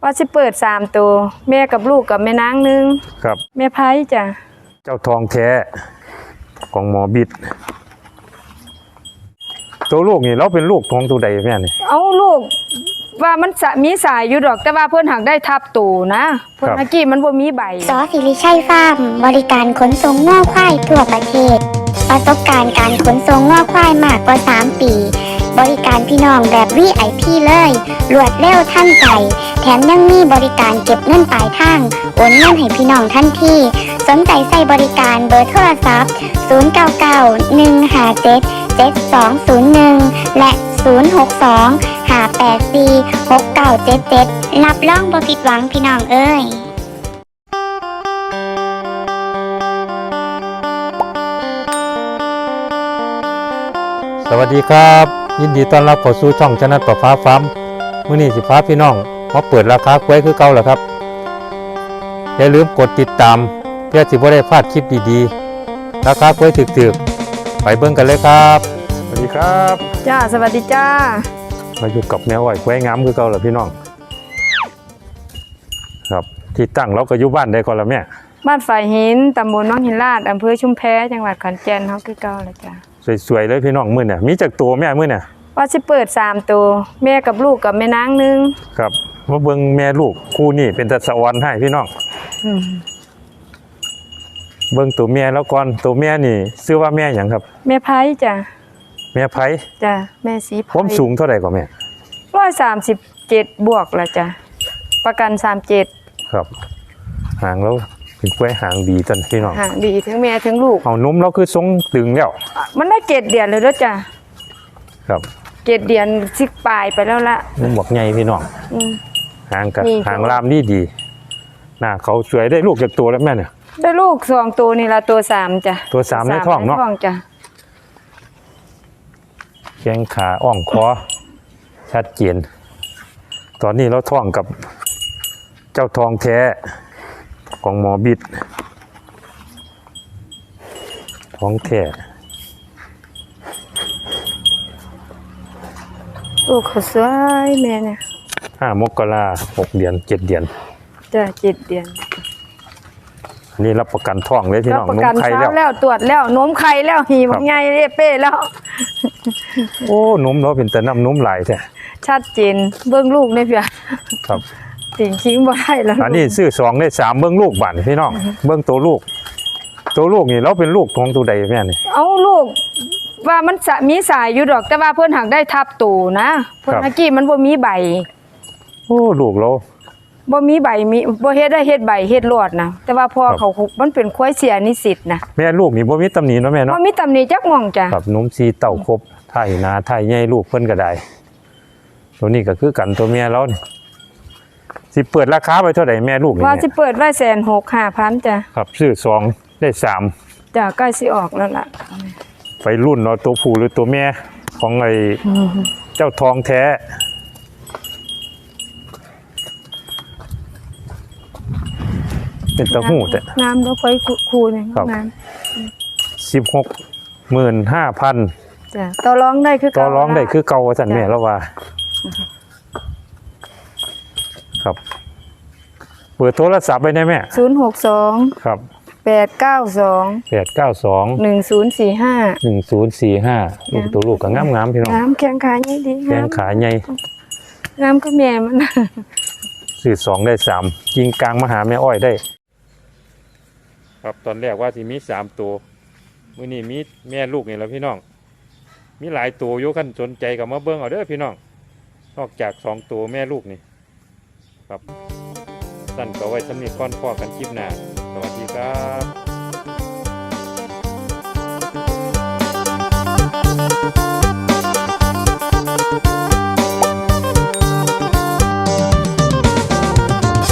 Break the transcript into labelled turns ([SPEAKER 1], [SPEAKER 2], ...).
[SPEAKER 1] ว่าสิเปิด3ตัวแม่กับลูกกับแม่นางนึง
[SPEAKER 2] ครับ
[SPEAKER 1] แม่ไผ่จ้ะ
[SPEAKER 2] เจ้าทองแท้ของหมอบิดตัวลูกนี่เราเป็นลูกของตัวใดแม่นี่
[SPEAKER 1] เอาลูกว่ามันมีสายอยู่ดอกแต่ว่าเพิ่นหักได้ทับตูนะเพิ่นเมื่อกี้มันบ่มีใบ
[SPEAKER 3] สอศิริชัยฟาร์มบริการขนส่งง้อควายทั่วประเทศประสบการณ์การขนส่งง้อควายมากกว่า3 ปีบริการพี่น้องแบบ VIP เลยรวดเร็วทันใจแถมยังมีบริการเก็บเงินปลายทางโอนเงินให้พี่น้องทันทีสนใจใส่บริการเบอร์โทรศัพท์0991577201และ062-584-6977รับรองบ่ผิดหวังพี่น้องเอ้ย
[SPEAKER 2] สวัสดีครับยินดีต้อนรับเข้าสู่ช่องชนะประฟ้าฟาร์มมื้อนี้สิพาพี่น้องมาเปิดราคากล้วยคือเก่าแล้วครับอย่าลืมกดติดตามเพื่อสิบ่ได้พลาดคลิปดีๆราคากล้วยถึกๆไปเบิ่งกันเลยครับสวัสดีครับ
[SPEAKER 1] จ้าสวัสดีจ้า
[SPEAKER 2] มาอยู่กับแมวอ้อยกล้วยงามคือเก่าแล้วพี่น้องครับที่ตั้งเราก็อยู่บ้านได้ก่อนละแม่
[SPEAKER 1] บ้านฝ่ายหินตำบลน้องหินลาดอำเภอชุมแพจังหวัดขอนแก่นเฮาคือเก่าแล้วจ้า
[SPEAKER 2] สวยๆเลยพี่น้องมื้อเนี่ยมีจักตัวแม่มื้อเนี่ย
[SPEAKER 1] ว่าสิเปิด3ตัวแม่กับลูกกับแม่นางนึง
[SPEAKER 2] ครับมาเบิ่งแม่ลูกคู่นี้เป็นตะสะออนให้พี่น้องเบิ่งตัวแม่แล้วก่อนตัวแม่นี่ชื่อว่าแม่หยังครับ
[SPEAKER 1] แม่ไผ่จ้ะ
[SPEAKER 2] แม่ไผ่
[SPEAKER 1] จ้ะแม่สีไผ่
[SPEAKER 2] ความสูงเท่าไหร่กว่าแม่
[SPEAKER 1] 137บวกละจ้ะประกัน37
[SPEAKER 2] ครับหางแล้วเป็นกล้วยหางดีจังพี่น้อง
[SPEAKER 1] หางดีถึงแม่ถึงลูก
[SPEAKER 2] เอานมเราคือทรงตึงแล้ว
[SPEAKER 1] มันได้7 เดือนเลยแล้วจ้ะ
[SPEAKER 2] ครับ
[SPEAKER 1] 7 เดือนสิปลายไปแล้วละ
[SPEAKER 2] นมบอกใหญ่พี่น้องหางกับหางลามดีหน้าเขาสวยได้ลูกจากตัวแล้วแม่เนี่ย
[SPEAKER 1] ได้ลูก2ตัวนี่ละตัว3จ้ะ
[SPEAKER 2] ตัว3ในท้องเนาะ
[SPEAKER 1] จ้ะ
[SPEAKER 2] แข้งขาอ่องคอชัดเจนตอนนี้เราท้องกับเจ้าทองแท้ของหมอบิดท้องแท้
[SPEAKER 1] โอ้เขาสวยแม่เนี่ย
[SPEAKER 2] 5 มกรา6 เดือน7 เดือน
[SPEAKER 1] จ้ะ7 เดือน
[SPEAKER 2] นี่รับประกันท้องเลยพี่น้องนมไข่
[SPEAKER 1] แล้วตรวจแล้วนมไข่แล้วหีบใหญ่เป้แล้ว
[SPEAKER 2] โอ้นมเราเป็นแต่น้ำนมไหลแท้
[SPEAKER 1] ชัดเจนเบิ้งลูกได้เพีย
[SPEAKER 2] ครับ
[SPEAKER 1] ติ่งทิ้งบ่ได้แล้ว
[SPEAKER 2] อันนี้ซื้อ2ได้3เบิ้งลูกบ้านพี่น้องเบิ้งตัวลูกนี่เราเป็นลูกของตัวใดแม่นี่
[SPEAKER 1] เอาลูกว่ามันมีสายอยู่ดอกแต่ว่าเพิ่นหักได้ทับตูนะเพิ่นเมื่อกี้มันบ่มีใบ
[SPEAKER 2] โอ้ลูกเรา
[SPEAKER 1] บ่มีใบมีบ่เฮ็ดได้เฮ็ดใบเฮ็ดรอดนะแต่ว่าพอเขามันเป็นควายเสียนิสิตนะ
[SPEAKER 2] แม่ลูกนี่บ่มีตำหนิเนาะแม่เนาะ
[SPEAKER 1] บ่มีตำหนิจักม่องจ้ะ
[SPEAKER 2] ครับนมซีเต้าครบไทยนาไทยใหญ่ลูกเพิ่นก็ได้ตัวนี้ก็คือกันตัวแม่เรานี่สิเปิดราคาไปเท่าใดแม่ลูกนี่
[SPEAKER 1] ว่าสิเปิดไว้165,000จ้ะ
[SPEAKER 2] ครับซื้อ2ได้3
[SPEAKER 1] จ้ะใกล้สิออกแล้วล่ะ
[SPEAKER 2] ไปรุ่นเนาะตัวผู้หรือตัวแม่ของไอ้เจ้าทองแท้เป็นตะหู้แต่
[SPEAKER 1] น้ำเราค่อยคูเนี่ยน้
[SPEAKER 2] ำ16,500,000
[SPEAKER 1] จ้ะต่อรองได้คือ
[SPEAKER 2] ต่อรองได้คือเก่าสั่นแม่แล้วว่าครับเปิดโทรศัพท์ไปได้แม่
[SPEAKER 1] 062
[SPEAKER 2] ครับ
[SPEAKER 1] 892 1045
[SPEAKER 2] ลูกตัวลูกก็งามพี่น้อง
[SPEAKER 1] งามแข้งขาใหญ่ดี
[SPEAKER 2] แข้งขาใหญ่
[SPEAKER 1] งามก็แม่มัน
[SPEAKER 2] ซื้อ2ได้3ยิงกลางมาหาแม่อ้อยได้ครับตอนแรกว่าที่มี3ตัวมื้อนี้มีแม่ลูกนี่แหละพี่น้องมีหลายตัวอยู่คันสนใจก็มาเบิ่งเอาเด้อพี่น้องนอกจาก2ตัวแม่ลูกนี่ครับสั้นก็ไว้สำหรับก่อนพอกันคลิปหน้าสวัสดีครับ